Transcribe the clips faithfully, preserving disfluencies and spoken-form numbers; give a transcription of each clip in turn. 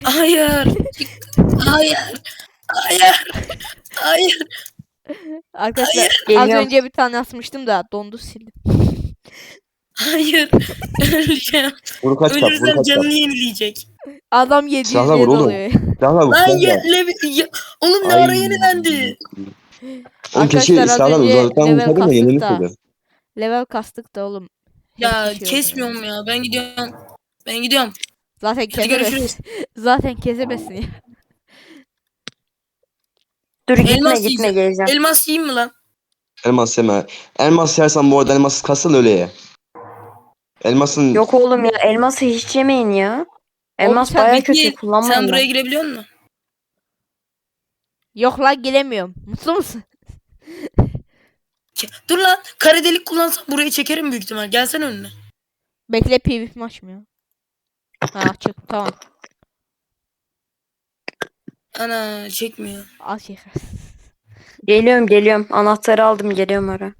Hayır. Hayır. Hayır. Hayır. Arkadaşlar Hayır. az Geliyorum. önce bir tane asmıştım da dondu sildim. Hayır. Öleceğim. Vur kaç kat, vur Ölürsem kaç kat. canını yenileyecek. Adam yedi yüz Silahla vur yedi oğlum. oluyor. Silahla vur, Lan ya, silahla. levi- ya- oğlum ne Ay. ara yenilendi? Oğlum keşke Arkadaşlar az silahlar önce uzaktan level vursaydın da kastık yenilir da. miydi? Level kastık da oğlum. Ya Hepsi şey oldu kesmiyorum ya. Ben gidiyorum. Ben gidiyorum. Zaten Hadi görüşürüz. kesebesin. Zaten kesebesin ya. Dur gitme Elmas gitme yiyeceğim. geleceğim. Elmas yiyeyim mi lan? Elmas yeme. Elmas yersen bu arada elmas kasıl öyle ye. Elmasın Yok oğlum ya elması hiç yemeyin ya. Elmas sen baya Peki kötü sen kullanmayın. buraya ben. girebiliyor musun? Yok lan giremiyorum. Mutlu musun? Ke- Dur lan. Kare delik kullansam buraya çekerim büyük ihtimal. Gelsene önüne. Bekle PvP maç mı ya? Ha açık tamam. Ana çekmiyor. Al şey. Geliyorum geliyorum. Anahtarı aldım geliyorum oraya.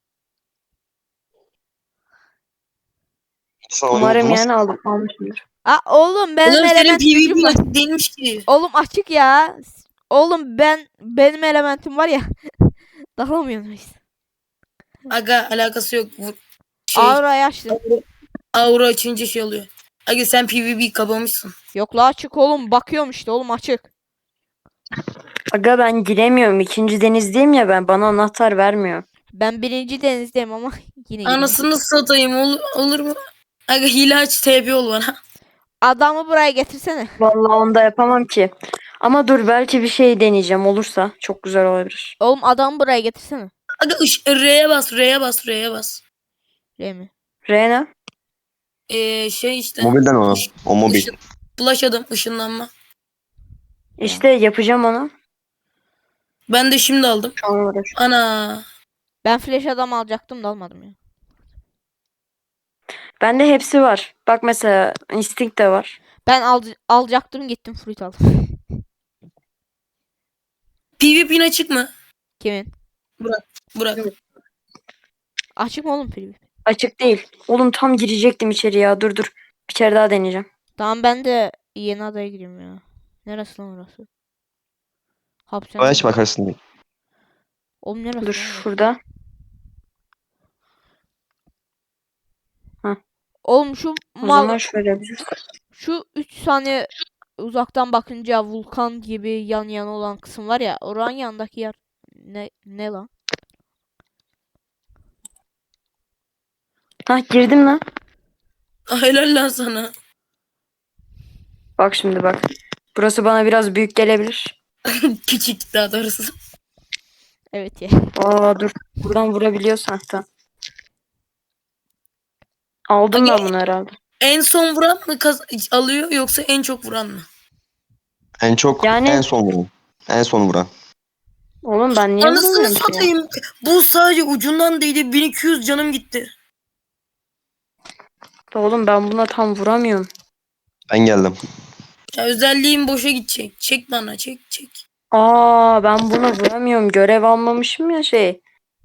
sana Umarım oynatılmaz. yani aldım almışımdır. Aa oğlum benim Oğlum senin elementim PvP var. açık değilmiş ki. Oğlum açık ya. Oğlum ben benim elementim var ya. Dalamıyorum işte. Aga alakası yok. Bu şey Aura'yı açtım. aura açınca şey oluyor. Aga sen PvP kapamışsın. Yok la açık oğlum. Bakıyorum işte oğlum açık. Aga ben giremiyorum. İkinci denizdeyim ya ben. Bana anahtar vermiyor. Ben birinci denizdeyim ama yine giremiyorum. Anasını satayım olur, olur mu? Aga hile aç T P ol bana. Adamı buraya getirsene. Vallahi onu da yapamam ki. Ama dur belki bir şey deneyeceğim olursa. Çok güzel olabilir. Oğlum adamı buraya getirsene. Aga ış- R'ye bas R'ye bas R'ye bas. Remi. Reyna. Ee, şey işte. Mobilden o. Iş- O mobil. ışın- Flash adam ışınlanma. İşte yapacağım onu. Ben de şimdi aldım. Şu an uğraşıyorum. Ana. Ben flash adam alacaktım da almadım ya. Bende hepsi var. Bak mesela instinct de var. Ben al alacaktım gittim fruit aldım. PvP'in açık mı? Kimin? Burak. Açık mı oğlum PvP? Açık değil. Oğlum tam girecektim içeri ya. Dur dur. Bir kere daha deneyeceğim. Tamam ben de yeni adaya gireyim ya. Neresi lan orası? Hapishane. Bayağı hiç bakarsın. Oğlum neresi Dur lan orası? şurada. Oğlum şu O mal zaman şöyle yapacağız. şu üç saniye uzaktan bakınca vulkan gibi yan yana olan kısım var ya. Oranın yanındaki yer ne ne lan? Hah girdim lan. Ah, helal lan sana. Bak şimdi bak. Burası bana biraz büyük gelebilir. Küçük daha doğrusu. Evet ya. Aa dur. Buradan vurabiliyorsan hatta. Aldım Aga- ben bunu herhalde. En son vuran mı kaz- alıyor yoksa en çok vuran mı? En çok Yani- en son vuran. En son vuran. Oğlum ben niye Anasını vuramıyorum ki ya? satayım. Bu sadece ucundan değdi. bin iki yüz canım gitti. Oğlum ben buna tam vuramıyorum. Ben geldim. Ya özelliğim boşa gidecek. Çek bana çek çek. Aa ben buna vuramıyorum. Görev almamışım ya şey.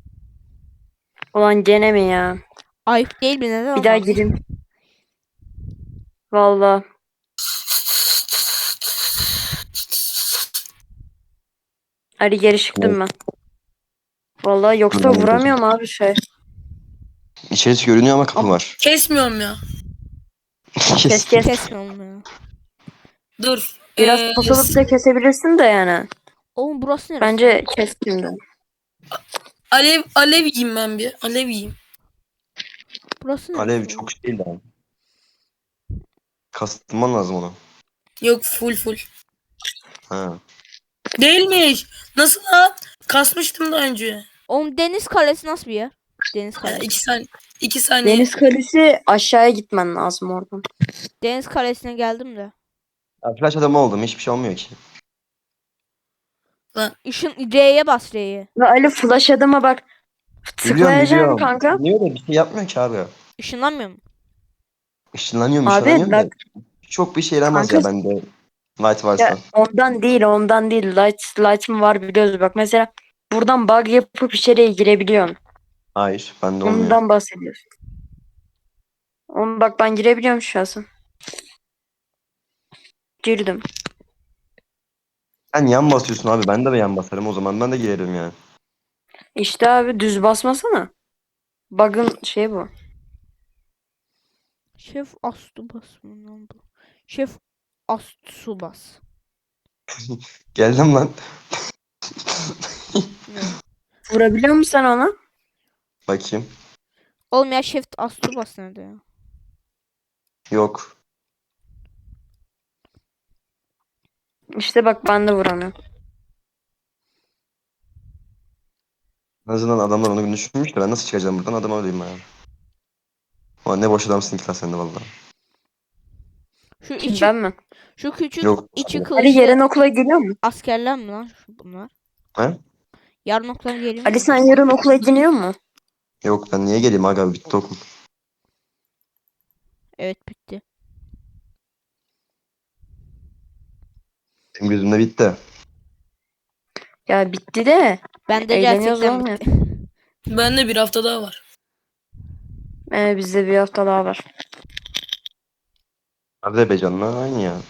Ulan gene mi ya? Ayıp değil mi? Neden Bir daha olmaz? gireyim. Vallahi. Hadi geri çıktım ben. Vallahi yoksa Tamam, vuramıyorum abi şey. İçerisi görünüyor ama kapı var. Kesmiyorum ya. Kes kes. Kesme oğlum ya. Dur. Biraz Ee, pusalıp da kesebilirsin de yani. Oğlum burası neresi? Bence kes şimdi. Alev alev yiyeyim ben bir. Alev yiyeyim. Burası neresi? Alev oğlum? çok şey değil lan. Kastırman lazım onu. Yok full full. Ha. Değilmiş. Nasıl lan? Kasmıştım daha önce. Oğlum deniz kalesi nasıl bir yer? Deniz Ya, kalesi. iki saniye. iki saniye. Deniz kalesi aşağıya gitmen lazım oradan. Deniz kalesine geldim de. Ya flash adamı oldum. Hiçbir şey olmuyor ki. Işın R'ye bas R'ye. Ve Ali flash adama bak. Biliyorum Tıklayacaksın biliyorum. kanka. Niye de bir şey yapmıyor ki abi. Işınlanmıyor mu? Işınlanıyorum Abi, ışınlanıyorum da. bak- Çok bir şey yaramaz Kanka- ya bende. Light varsa. Ya ondan değil ondan değil. Light, light'ım var biliyoruz. Bak mesela buradan bug yapıp içeriye girebiliyorsun. Hayır bende olmuyor. Ondan bahsediyorsun. Oğlum bak ben girebiliyorum şahsen. Girdim. Sen yan basıyorsun abi. Ben de yan basarım o zaman. Ben de girerim yani. İşte abi düz basmasana. Bug'ın şey bu. Şef Astubas mı lan bu? Şef Astsubas. Geldim lan. Ne? Vurabiliyor musun sen ona? Bakayım. Oğlum ya Şef Astubas nerede ya? Yok. İşte bak ben de vuramıyorum. En azından adamlar onu düşünmüş de ben nasıl çıkacağım buradan adam öyleyim yani. Ulan ne boş adamsın ki lan sen de valla. Şu Kim, içi ben mi? şu küçük Yok. içi Ali kılıçlı yarın okula geliyor mu? askerler mi lan şu bunlar? He? Yarın okula geliyor Ali mu? sen yarın okula gidiyor mu? Yok ben niye geleyim aga bitti okul. Evet bitti. Benim gözümde bitti. Ya bitti de. Ben de Eğleniyoruz gerçekten oğlum ya. bitti. Bende bir hafta daha var. Ee, bizde bir hafta daha var. Nerede be canına aynı ya.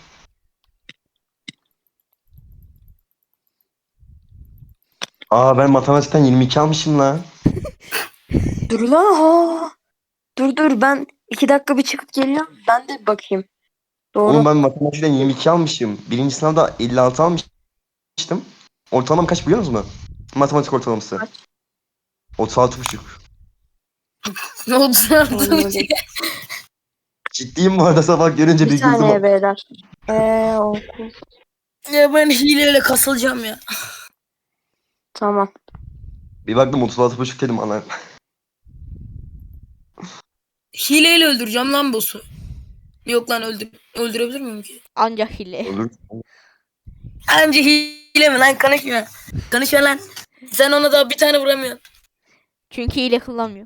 Aa ben matematikten yirmi iki almışım lan. Dur lan ha. Dur dur ben iki dakika bir çıkıp geliyorum. Ben de bakayım. Doğru. Oğlum ben matematikten yirmi iki almışım. Birinci sınavda elli altı almıştım. Ortalamam kaç biliyor musunuz? Matematik ortalaması. Kaç? otuz altı buçuk. Ne oldu sana? Anladım. Ciddiyim bu arada sabah görünce bir, Bir güldüm. saniye beyler. Ee, okul. Ya ben hileyle kasılacağım ya. Tamam. Bir baktım otuz altı buçuk dedim ana. Hileyle öldüreceğim lan boss'u. Yok lan öldür öldürebilir miyim ki? Ancak hile. Olur. Anca hile mi lan konuşma. Konuşma lan. Sen ona daha bir tane vuramıyorsun. Çünkü hile kullanmıyor.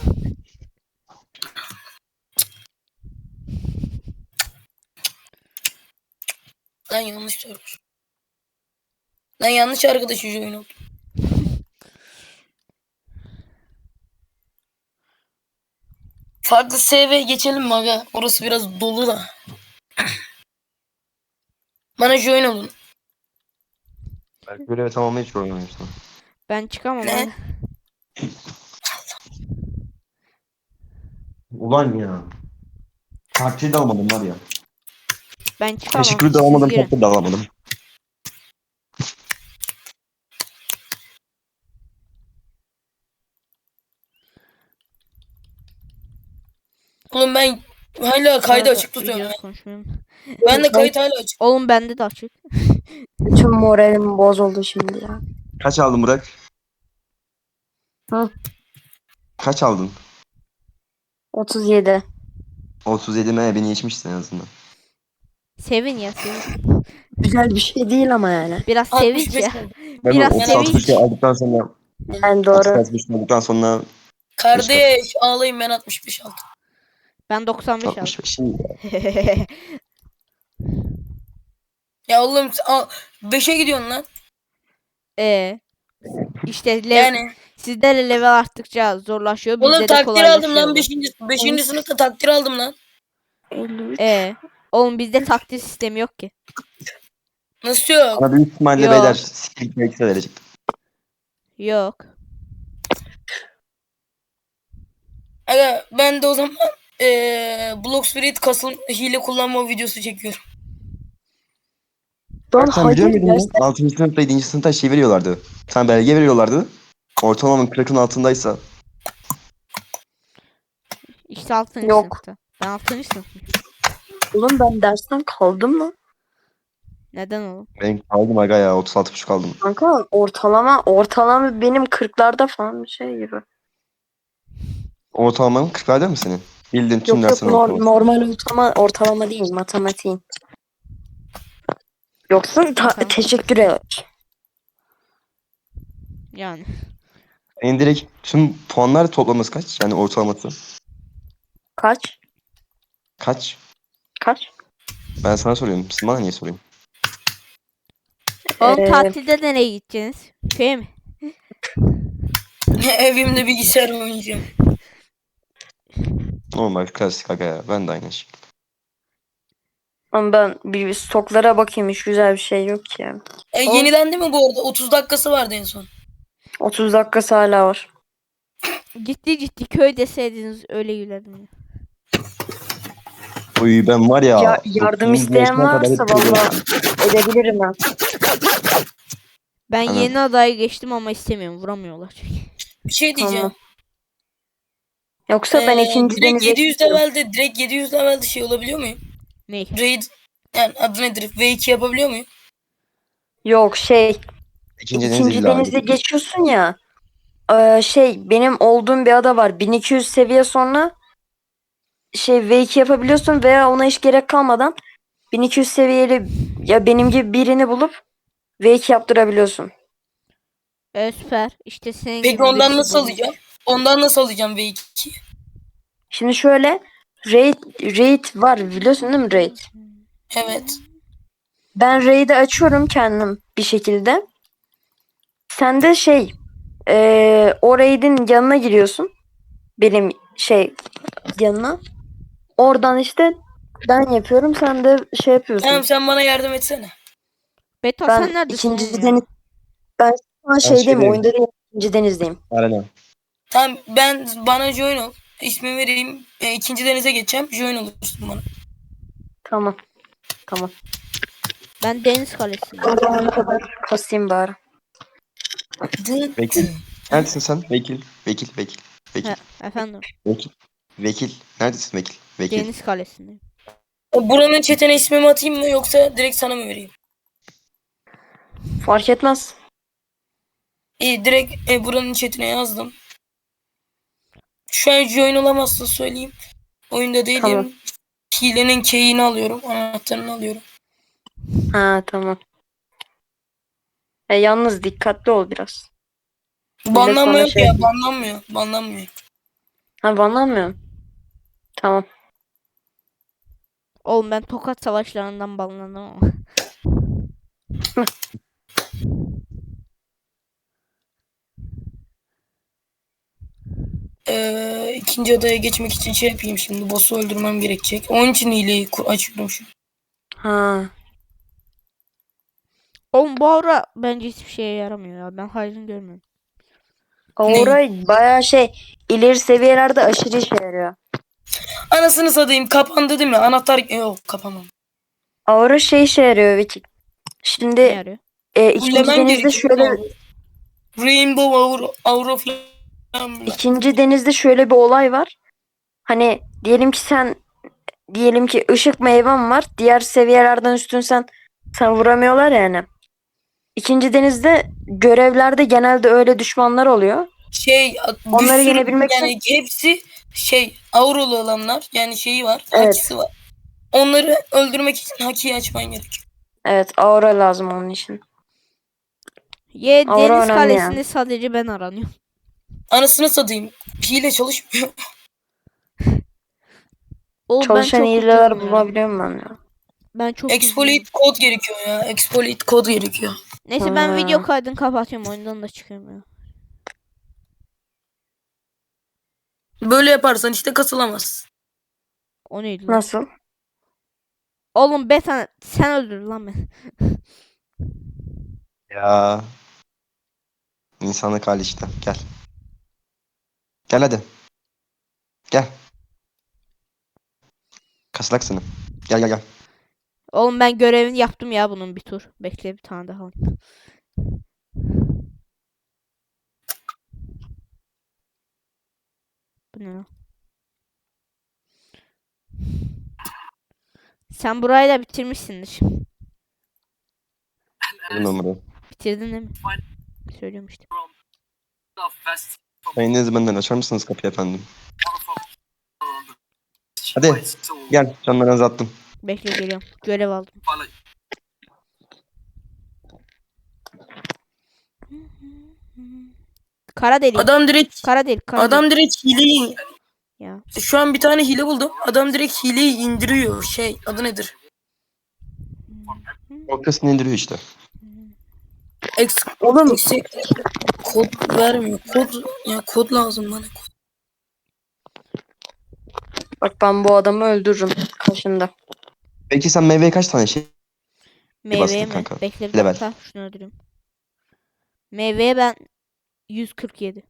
Lan yanlış sormuş. Lan yanlış arkadaş yüzü oyun oldu. Farklı S V'ye geçelim mi aga? Orası biraz dolu da. Bana join olun. Belki görevi tamamlayıp hiç oynamıyorsun. Ben çıkamam Ne? abi. Ulan ya. Taktiği de almadım var ya. Ben çıkamam. Teşekkür de Siz almadım, girin. taktiği de alamadım. Oğlum ben hala kaydı Sonra açık tutuyorum. videoda ya. konuşmuyorum. Ben de kayıt hala açık. Oğlum bende de açık. Bütün moralim bozuldu şimdi ya. Kaç aldın Burak? Hı. Kaç aldın? otuz yedi. otuz yedi mi? Beni geçmişsin en azından. Sevin ya sevin. Güzel bir şey değil ama yani. Biraz sevinç altmış beş ya. oldu. Ben Biraz o otuz altı sevinç. buçuk aldıktan sonra Yani doğru. otuz altı buçuk aldıktan sonra Kardeş ağlayın ben altmış beş aldım. Ben doksan beş aldım. altmış beş. Şimdi Ya oğlum beşe gidiyorsun lan. Ee, işte lev Yani. sizde de level arttıkça zorlaşıyor. Bizde Oğlum de takdir aldım kolaylaşıyor. lan beşinci beşinci sınıfta takdir aldım lan. elli üç. Ee, oğlum bizde takdir sistemi yok ki. Nasıl yok? bana büyük ihtimalle Yok. beyler skill belki verecek. Yok. Aga ben de o zaman eee Block Spirit kasıl hile kullanma videosu çekiyorum. Lan Sen biliyor hayır muydun? gerçekten. altıncı sınıfta yedinci sınıfta şey veriyorlardı. Bir tane belge veriyorlardı. Ortalamanın kırkın altındaysa. İşte altıncı Yok. sınıfta. Ben altıncı sınıfım. Oğlum ben dersten kaldım mı? Neden oğlum? Ben kaldım aga ya otuz altı buçuk aldım. Kanka ortalama ortalama benim kırklarda falan bir şey gibi. Ortalamanın kırklarda mı senin? Bildiğin tüm Yok yok derslerin nor- ortalaması. normal ortalama ortalama değil matematiğin. Yoksa ta- Tamam. teşekkür ederim. Yani. Senin direkt tüm puanlar toplaması kaç? Yani ortalaması. Kaç? Kaç? Kaç? Ben sana soruyorum. Siz bana niye sorayım? Oğlum Ee, tatilde nereye gideceksiniz? Köye mi? Evimde bilgisayar oynayacağım. Normal klasik aga ya. Ben de aynı şey. Ama ben bir stoklara bakayım, hiç güzel bir şey yok ki ya. E, Oğlum- yeniden değil mi bu arada? otuz dakikası vardı en son. otuz dakikası hala var. Ciddi ciddi köy deseydiniz öyle gülerdim ya. Uy ben var ya. Ya, yardım dokuzuncu isteyen yaşıma kadar varsa hep böyle- valla edebilirim ben. Ben Tamam. yeni adayı geçtim ama istemiyorum. Vuramıyorlar çünkü. Bir şey diyeceğim. Tamam. Yoksa ben Ee, ikinci direkt denize yedi yüz geçiyorum. levelde direkt yedi yüz levelde şey olabiliyor muyum? Ney? Raid yani adı nedir? V iki yapabiliyor muyum? Yok şey, İkinci deniz ikinci illa. denize geçiyorsun ya. Ee, şey benim olduğum bir ada var. bin iki yüz seviye sonra şey V iki yapabiliyorsun veya ona hiç gerek kalmadan bin iki yüz seviyeli ya benim gibi birini bulup V iki yaptırabiliyorsun. Evet, süper. İşte senin Peki gibi ondan birisi nasıl bulmuş. alacağım? Ondan nasıl alacağım V iki? Şimdi şöyle raid, raid var biliyorsun değil mi raid? Evet. Ben raid'i açıyorum kendim bir şekilde. Sen de şey eee o raid'in yanına giriyorsun. Benim şey yanına. Oradan işte ben yapıyorum, sen de şey yapıyorsun. Tamam sen bana yardım etsene. Beto Ben sen neredesin ikinci oğlum ya? deniz ben şu an şeydeyim, şeydeyim. oyunda değil, ikinci denizdeyim. Arena. Tamam ben bana join ol. İsmi vereyim. E, ikinci denize geçeceğim. Join olursun bana. Tamam. Tamam. Ben Deniz Kalesi'ndeyim. O zamana kadar kasayım bari. Dın Vekil. dın. Neredesin sen? Vekil. Vekil. Vekil. Vekil. He, efendim. Vekil. Vekil. Neredesin vekil? Vekil. Deniz Kalesi'ndeyim. E, Buranın chatine ismimi atayım mı yoksa direkt sana mı vereyim? Fark etmez. İyi direkt e, buranın chatine yazdım. Şu an join olamazsın söyleyeyim. Oyunda değilim. Tamam. Hilenin key'ini alıyorum. Anahtarını alıyorum. Ha tamam. E, yalnız dikkatli ol biraz. Banlanma bana yok şey ya. yapıyor. Banlanmıyor. Banlanmıyor. Ha banlanmıyorum. Tamam. Oğlum ben Tokat savaşlarından banlandım ama. Ee, ikinci adaya geçmek için şey yapayım şimdi. Boss'u öldürmem gerekecek. Onun için hileyi ku- açıyorum şu. Ha. Oğlum bu aura bence hiçbir şeye yaramıyor ya. Ben hayrını görmüyorum. Orayı bayağı şey ileri seviyelerde aşırı işe yarıyor. Anasını satayım. Kapandı değil mi? Anahtar... Yok kapanmadı. Aura şey işe yarıyor Vekil. Ne Şimdi yarıyor? e, ikinci Fullemem denizde gerekiyor. şöyle Rainbow Aura, Aura falan. ikinci denizde şöyle bir olay var. Hani diyelim ki sen diyelim ki ışık meyven var. Diğer seviyelerden üstün sen sen vuramıyorlar yani. İkinci denizde görevlerde genelde öyle düşmanlar oluyor. Şey bir Onları sürü yenebilmek için- yani hepsi şey auralı olanlar yani şeyi var. Evet. Hakisi var. Onları öldürmek için hakiyi açman gerekiyor. Evet, aura lazım onun için. Ye Aura Deniz önemli Kalesi'nde yani. sadece ben aranıyorum. Anasını satayım. Hile çalışmıyor. Oğlum Çalışan ben çok hileler ucuzum ya. bulabiliyorum ben ya. Ben çok ucuzum. Exploit kod gerekiyor ya. Exploit kod gerekiyor. Neyse ben Ha. video kaydını kapatıyorum. Oyundan da çıkıyorum ya. Böyle yaparsan işte kasılamaz. O neydi lan? Nasıl? Oğlum Betan sen öldür lan beni. Ya. İnsanlık hali işte. Gel. Gel hadi. Gel. Kasılak seni. Gel gel gel. Oğlum ben görevini yaptım ya bunun bir tur. Bekle bir tane daha. Bu ne lan? Sen burayı da bitirmişsindir. Bu numarayı. Bitirdin değil mi? Söylüyorum işte. Sayın Deniz benden açar mısınız kapıyı efendim? Hadi. Gel. Canlarınızı attım. Bekle geliyorum. Görev aldım. Kara delik. Adam direkt Kara delik. Kara adam delik. direkt hileyi Ya. şu an bir tane hile buldum. Adam direkt hileyi indiriyor. Şey adı nedir? Ortasını indiriyor işte. Ex Oğlum Yüksek kod vermiyor. Kod ya kod lazım bana. Kod. bak ben bu adamı öldürürüm kaşında. Peki sen meyveye kaç tane şey Meyveye bastın mi? kanka? Bekle bir Level. dakika. Şunu öldüreyim. Meyveye ben yüz kırk yedi.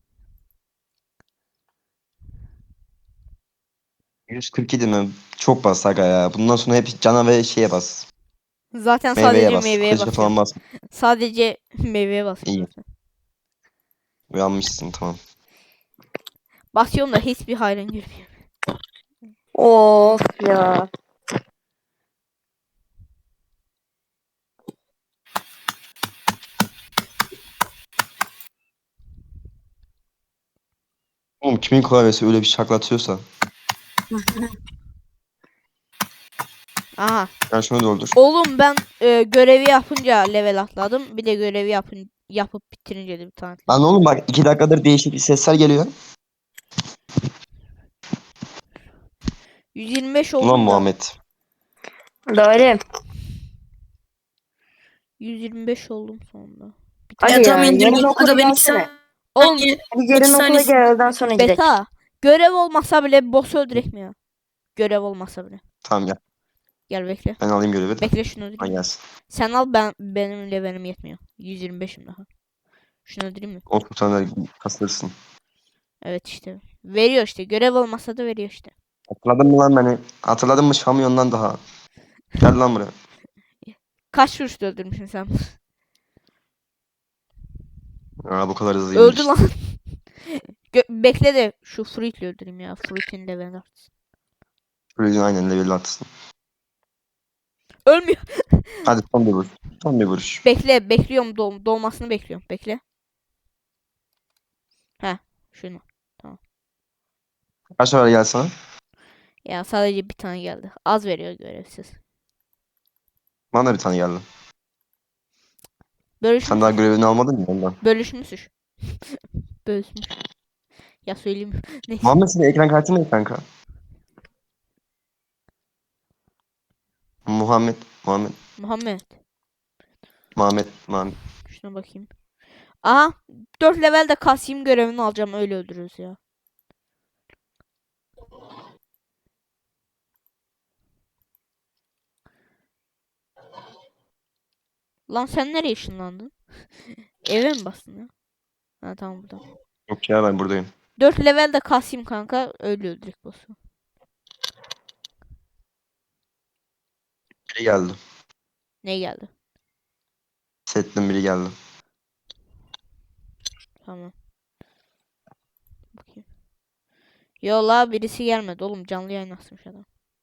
yüz kırk yedi mi? Çok bas aga ya. Bundan sonra hep cana ve şeye bas. Zaten Meyveye sadece bas. meyveye Kılıca falan basıyorum. bas. Sadece meyveye basıyorum İyi. zaten. Uyanmışsın tamam. Basıyorum da hiçbir hayran görmüyorum. Of ya. Oğlum kimin klavyesi öyle bir şaklatıyorsa. Aha. Ben şunu doldur. Oğlum ben e, görevi yapınca level atladım. Bir de görevi yapın yapıp bitirince de bir tane Lan atladım. oğlum bak iki dakikadır değişik sesler geliyor. yüz yirmi beş Ulan oldum da. Muhammed. Doğru. yüz yirmi beş oldum sonunda. Bir Hadi tane. Ya tam ya, indirme. yarın okula Aga ben iki gelsene. Oğlum saniye. Hadi iki yarın okula saniye. gel, öğleden sonra gidelim. beta. Görev olmasa bile boss öldürek mi ya? Görev olmasa bile. Tamam gel. Gel bekle. Ben alayım görevi de. Bekle şunu Ha öldüreyim. gelsin. Sen al, ben benim levelim yetmiyor. yüz yirmi beşim daha. Şunu öldüreyim mi? O tutanları kastırsın. Evet işte. Veriyor işte. Görev olmasa da veriyor işte. Hatırladın mı lan beni? Hatırladın mı Şamyon'dan daha? Gel lan buraya. Kaç vuruşta öldürmüşsün sen? Aa bu kadar hızlı Öldü işte. lan. Gö- bekle de şu Fruit'le öldüreyim ya. Fruit'in levelini artsın. Şöyle aynen level atsın. Ölmüyor. Hadi son bir vuruş. Son bir vuruş. Bekle. Bekliyorum. Doğ doğmasını bekliyorum. Bekle. Heh. Şunu. Kaç sefer gel sana? Ya sadece bir tane geldi. Az veriyor görevsiz. Bana da bir tane geldi. Bölüşmüş. Sen daha görevini almadın mı ondan? Bölüşmüş. Bölüşmüş. Ya söyleyeyim. Neyse. Muhammed senin ekran kartın ne kanka? Muhammed, Muhammed, Muhammed. Muhammed, Muhammed. Şuna bakayım. Aha. dört levelde Kasim görevini alacağım. Öyle öldürürüz ya. Lan sen nereye ışınlandın? Eve mi bastın ya? Ha tamam burada. Yok ya ben buradayım. dört levelde Kasim kanka. Öyle öldürük boss'u. Biri geldi. Ne geldi? Settin biri geldi. Tamam. Bakayım. Yo la birisi gelmedi oğlum. Canlı yayın açmış adam.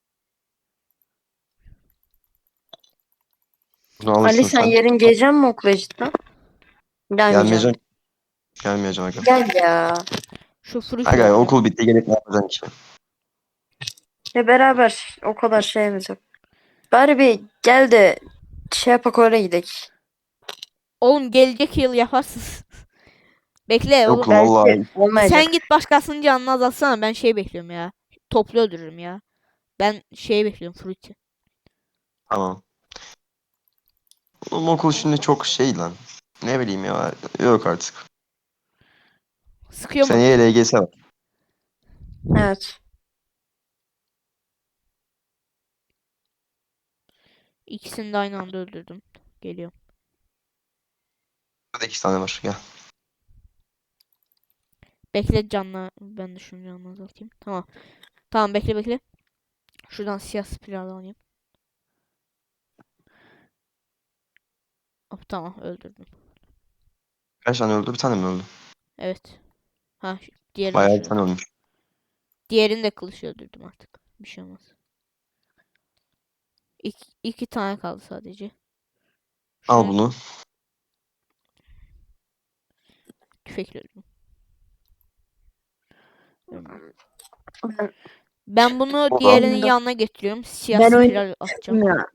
Bunu alırsın Ali sen sen. yarın geleceksin mi okula cidden? Gelmeyeceğim. Gelmeyeceğim. Gelmeyeceğim aga. Gel ya. Şu fruit Aga öldüreyim. okul bitti gelip ne yapacaksın ki? Ya beraber o kadar şeyimiz yok. Bari bir gel de şey yapak, oraya gidelim. Oğlum gelecek yıl yaparsınız. Bekle Yok oğlum. lan vallahi. Belki olmayacak. Sen git başkasının canını azaltsana. Ben şey bekliyorum ya. Toplu öldürürüm ya. Ben şey bekliyorum fruit'i. Tamam. Oğlum okul şimdi çok şey lan. Ne bileyim ya. Yok artık. Sıkıyor mu? Seneye L G S var. Evet. İkisini de aynı anda öldürdüm. Geliyorum. Burada iki tane var. Gel. Bekle canlı. Ben de şunu canını azaltayım. Tamam. Tamam bekle bekle. Şuradan siyah spiral alayım. Hop tamam öldürdüm. Kaç tane öldü? Bir tane mi öldü? Evet. Ha şu- diğerini Bayağı bir şu- tane ölmüş. Diğerini de kılıç öldürdüm artık. Bir şey olmaz. İki, iki tane kaldı sadece. Al Şunu bunu. tüfekle öldürdüm. Öldürdüm. Ben, Ben bunu O diğerinin anda- yanına getiriyorum. Siyah Ben oyun- spiral atacağım. ya.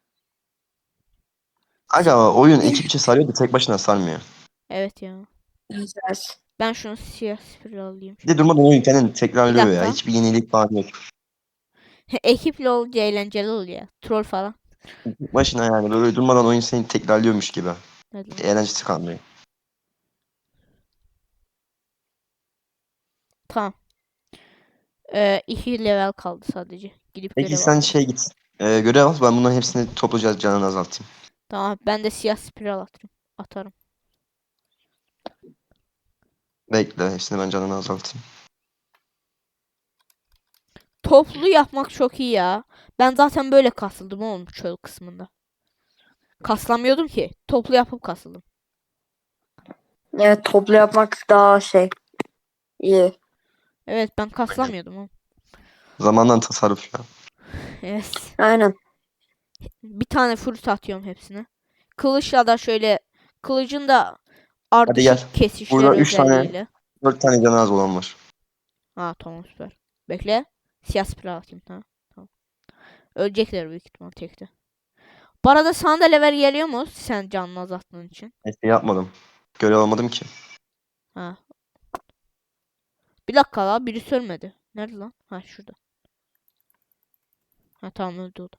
Aga oyun ekip içi sarıyor da tek başına sarmıyor. Evet ya. Evet. Ben şunu siyah spiral alayım. Bir de durmadan oyun kendini tekrarlıyor Bir ya. dakika. Hiçbir yenilik falan yok. Ekiple olunca eğlenceli oluyor ya. Troll falan. Tek başına yani böyle durmadan oyun seni tekrarlıyormuş gibi. Hadi lan. Eğlencesi kalmıyor. Tamam. Ee, iki level kaldı sadece. Gidip Peki görev sen alacağım. şey git. Ee, görev al. Ben bunların hepsini topluca canını azaltayım. Tamam ben de siyah spiral atarım. Atarım. Bekle. Hepsini ben canını azaltayım. Toplu yapmak çok iyi ya. Ben zaten böyle kasıldım oğlum çöl kısmında. Kaslamıyordum ki. Toplu yapıp kasıldım. Evet, toplu yapmak daha şey iyi. Evet ben kaslamıyordum oğlum. Zamandan tasarruf ya. Evet. Aynen. Bir tane fruit atıyorum hepsine. Kılıçla da şöyle kılıcın da Hadi gel. ardışık kesişler Burada üç tane, özelliğiyle. dört tane canı az olan var. Ha tamam süper. Bekle. Siyah spiral atayım tamam. Tamam. Ölecekler büyük ihtimal tekte. Bu arada sana da level geliyor mu sen canını azalttığın için? Neyse yapmadım. Görev almadım ki. Ha. Bir dakika la birisi ölmedi. Nerede lan? Ha şurada. Ha tamam öldü o da.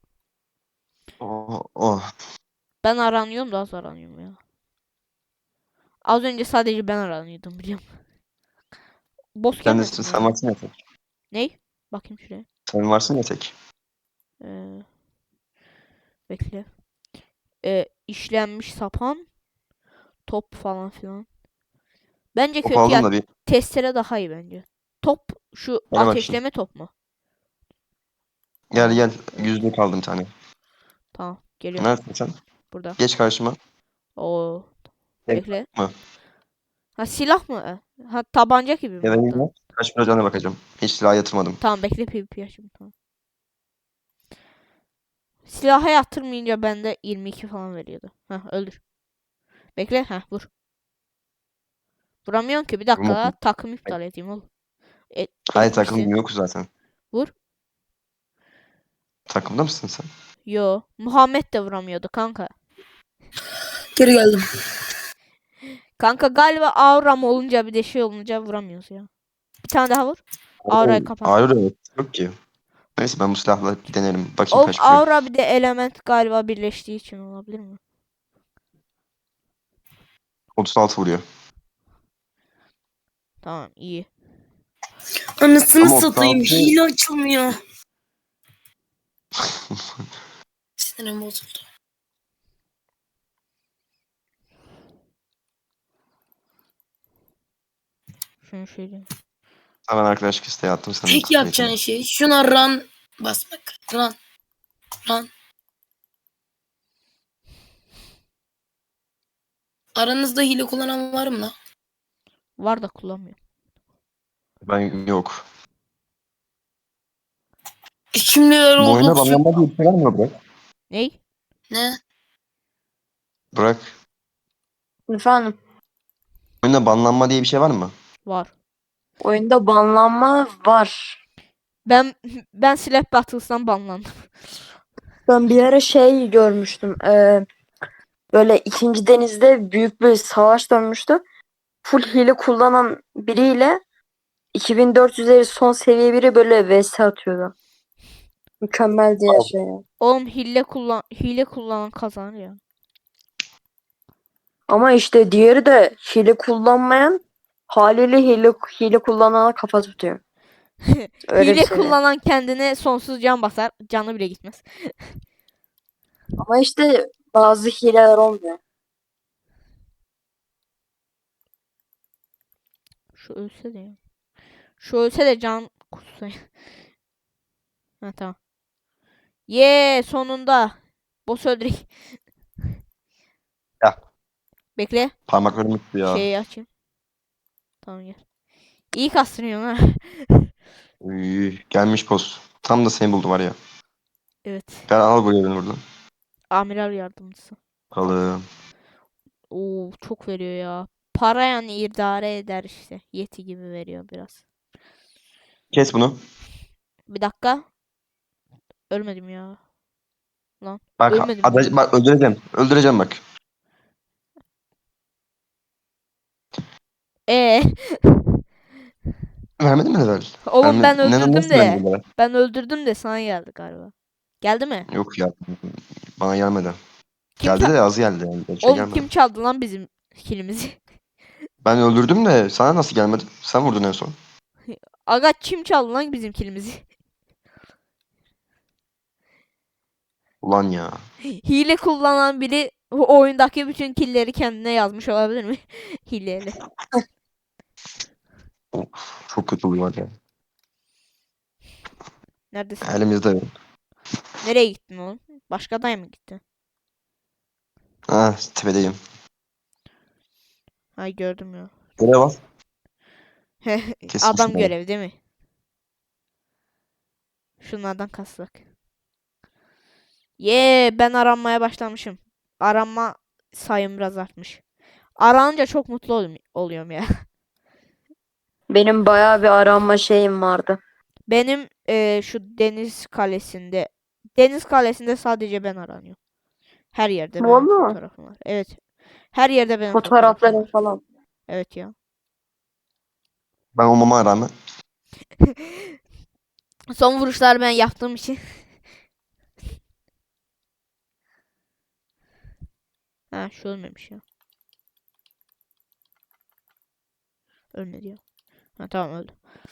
Oh, oh. Ben aranıyorum da az aranıyorum ya. Az önce sadece ben aranıyordum biliyorum. Boss Sen, de, gelmedi mi sen ya? varsın ya tek. Ney? Bakayım şuraya. Sen varsın ya tek. Ee, bekle. Ee, işlenmiş sapan. Top falan filan. Bence Top kötü aldım ya. da bir. Testere daha iyi bence. Top şu Gel bakayım. ateşleme top mu? Gel Aa, gel. Yüzde kaldım bir tane. tamam geliyorum. Neredesin sen? Burada. Geç karşıma. Oo. Tek Bekle. mı? Ha silah mı? Ha tabanca gibi mi? Ya da hatta? yine kaç para cana bakacağım. Hiç silah yatırmadım. Tamam bekle PvP açayım tamam. Silaha yatırmayınca bende yirmi iki falan veriyordu. Heh öldür. Bekle heh vur. Vuramıyorum ki bir dakika Vurma. la, takım iptal edeyim oğlum. E, Hayır etmişsin. takım yok zaten. Vur. Takımda mısın sen? Yo. Muhammed de vuramıyordu kanka. Geri geldim. Kanka galiba auram olunca bir de şey olunca vuramıyoruz ya. Bir tane daha vur. Aurayı kapat. Ağrı da yok ki. Neyse ben bu silahla bir denerim. Bakayım Oğlum kaç vuruyor. aura bir de element galiba birleştiği için olabilir mi? otuz altı vuruyor. Tamam iyi. Anasını Ama o satayım. altı- Hile açılmıyor. Sinirim bozuldu. Şunu şöyle. Hemen arkadaşlık isteği attım sana. Tek yapacağın şey şuna run basmak. Run. Run. Aranızda hile kullanan var mı lan? Var da kullanmıyorum. Ben yok. Kimler Bu oyunda oldu? banlanma diye bir şey var mı Burak? Ney? Ne? Burak. Efendim, Oyunda banlanma diye bir şey var mı? Var. oyunda banlanma var. Ben ben Slap Battles'tan banlandım. Ben bir ara şey görmüştüm. eee, böyle ikinci denizde büyük bir savaş dönmüştü. Full hile kullanan biriyle iki bin dört yüzleri son seviye biri böyle vs atıyordu. Mükemmel diye şey. ya. Oğlum hile kullan hile kullanan kazanır ya. Ama işte diğeri de hile kullanmayan haliyle hile, hile kullanana kafa tutuyor. Öyle hile bir şey. kullanan kendine sonsuz can basar. Canı bile gitmez. Ama işte bazı hileler olmuyor. Şu ölse de ya. Şu ölse de can kutsa. Ha tamam. Ye sonunda. Boss öldürek. Ya. Bekle. Parmaklarım gitti ya. Şeyi açayım. Tamam gel. İyi kastırıyorsun ha. Uy, gelmiş boss. Tam da seni buldu var ya. Evet. Gel al bu yerini buradan. Amiral yardımcısı. Alım. Oo çok veriyor ya. Para yani idare eder işte. Yeti gibi veriyor biraz. Kes bunu. Bir dakika. Ölmedim ya. Lan. Bak, Ölmedim ada- diyorum. bak öldüreceğim. Öldüreceğim bak. Ee, Vermedin mi level? oğlum ben Verme- ne- öldürdüm nasıl de. vermedin level? Ben öldürdüm de sana geldi galiba. Geldi mi? Yok ya. Bana gelmedi. Kim Geldi ça- de az geldi yani. Bir şey Oğlum gelmedi. kim çaldı lan bizim kilimizi? Ben öldürdüm de sana nasıl gelmedi? Sen vurdun en son. Aga kim çaldı lan bizim kilimizi? Ulan ya. Hile kullanan biri o oyundaki bütün killleri kendine yazmış olabilir mi? Hileyle. Çok kötü oluyor ya. Neredesin? Elimizde yok. Nereye gittin oğlum? Başka adaya mı gittin? Ha, tepedeyim. Ay gördüm ya. Görev al. Kesin Adam şunu. görev değil mi? Şunlardan kassak. Ye ben aranmaya başlamışım. Aranma sayım biraz artmış. Aranınca çok mutlu ol- oluyorum ya. Benim bayağı bir aranma şeyim vardı. Benim eee, şu deniz kalesinde deniz kalesinde sadece ben aranıyorum. Her yerde benim Valla. fotoğrafım var. Evet. Her yerde benim fotoğrafım Fotoğrafların var. falan. Evet ya. Ben olmama rağmen. Son vuruşlar ben yaptığım için. Ha şu ölmemiş ya. Ölmedi ya. Ha tamam öldü.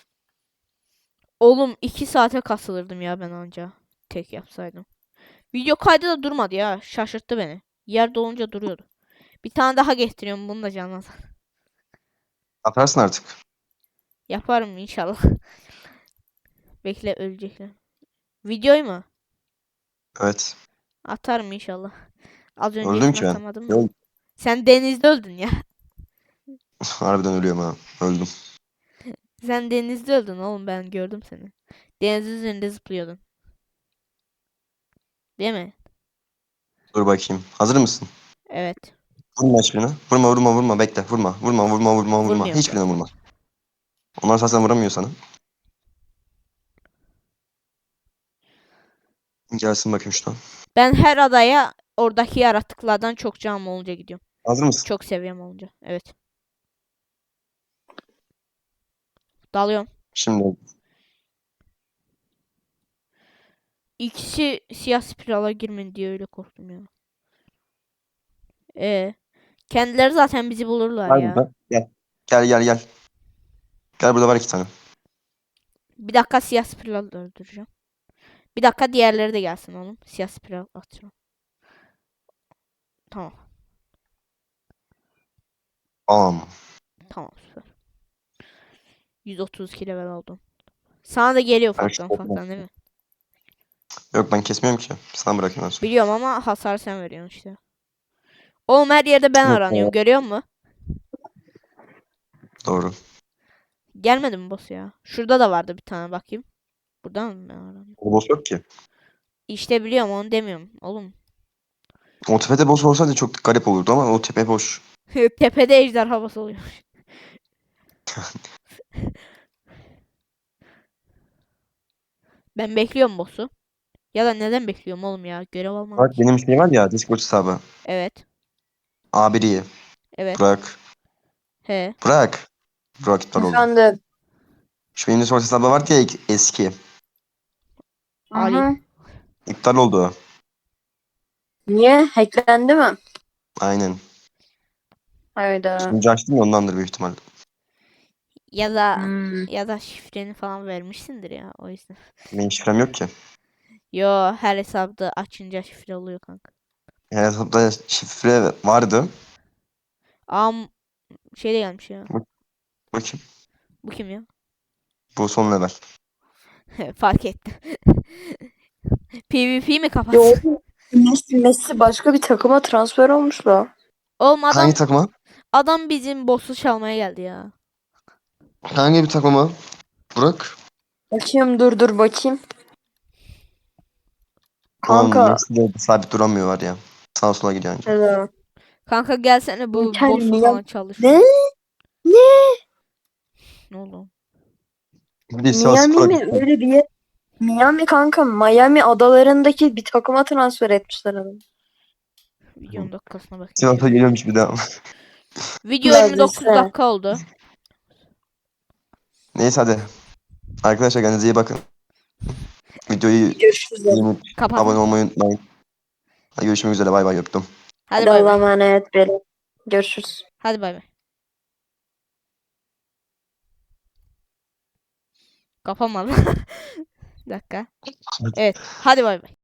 Oğlum iki saate kasılırdım ya ben anca. Tek yapsaydım. Video kaydı da durmadı ya. Şaşırttı beni. Yer dolunca duruyordu. Bir tane daha getiriyorum bunu da canlı. Atarsın artık. Yaparım inşallah. Bekle ölecekler. Videoyu mu? Evet. Atarım inşallah. Az Öldüm öncekini ki ben. atamadım da. Yok. Sen denizde öldün ya. Harbiden ölüyorum ha. Öldüm. Sen denizde öldün oğlum ben gördüm seni. Denizin üzerinde zıplıyordun. Değil mi? Dur bakayım. Hazır mısın? Evet. Vurma hiçbirine. Vurma vurma vurma. Bekle. Vurma. Vurma vurma vurma vurma. Vurmuyorum Hiçbirine zaten. vurma. Onlar zaten vuramıyor sana. Gelsin bakayım şuradan. Ben her adaya oradaki yaratıklardan çok canım olunca gidiyorum. Hazır mısın? Çok seviyem olunca. Evet. Dalıyorum. Şimdi İkisi siyah spirala girmeyin diye öyle korktum ya. Ee, kendileri zaten bizi bulurlar gel ya. burada. Gel. Gel gel gel. Gel burada var iki tane. Bir dakika siyah spiral öldüreceğim. Bir dakika diğerleri de gelsin oğlum. Siyah spiral atacağım. Tamam. Am. Tamam süper. yüz otuz iki level oldum. Sana da geliyor Ben şu ufaktan ufaktan değil mi? Yok ben kesmiyorum ki. Sana bırakayım ben sonra. Biliyorum ama hasar sen veriyorsun işte. Oğlum her yerde ben Yok aranıyorum. ya. Görüyor musun? Doğru. Gelmedi mi boss ya? Şurada da vardı bir tane bakayım. Buradan mı ben aranıyorum? O boss yok ki. İşte biliyorum onu demiyorum. Oğlum. O tepede boss olsaydı çok garip olurdu ama o tepe boş. Tepede ejderha boss oluyor. Ben bekliyorum boss'u. Ya da neden bekliyorum oğlum ya? Görev almadım Bak ki. benim şey var ya Discord hesabı. Evet. A biri. Evet. Bırak. He. Bırak. Bırak iptal oldu. Efendim. Şu benim Discord hesabı var ya eski. Ali. Hı hı. İptal oldu. Niye? Hacklendi mi? Aynen. Hayda. Şimdi açtım ya ondandır büyük ihtimalle. Ya da Hmm. ya da şifreni falan vermişsindir ya o yüzden. Benim şifrem yok ki. Yo her hesapta açınca şifre oluyor kanka. Her hesapta şifre vardı. Am şey de gelmiş ya. Bakayım. Bu kim ya? Bu son level. Fark ettim. PvP mi Ya kapatsın? oğlum, Messi, Messi başka bir takıma transfer olmuş la. Oğlum adam Hangi takıma? adam bizim boss'u çalmaya geldi ya. Hangi bir takıma? Burak. Bakayım dur dur bakayım. Ulan Kanka. Messi de sabit duramıyor var ya. Sağa sola gidiyor anca. Hello. Kanka gelsene bu Inter boss'u Milan- falan çalış. Ne? Ne? Ne oldu? Bir de Sivas Miami Spor'a mi? gitti. Öyle bir yer. Miami kanka. Miami adalarındaki bir takıma transfer etmişler adamı. Videonun dakikasına bakayım. Sivas'a şimdi. geliyormuş bir daha. Video Biraz yirmi dokuz ise. dakika oldu. Neyse hadi. Arkadaşlar kendinize iyi bakın. Videoyu Görüşürüz. beğenip Kapat. abone olmayı unutmayın. Hadi görüşmek üzere bay bay öptüm. Hadi Hadi bay Allah'a bay. emanet verin. Görüşürüz. Hadi bay bay. Kapamadım. Bir dakika. Evet. Hadi bay bay.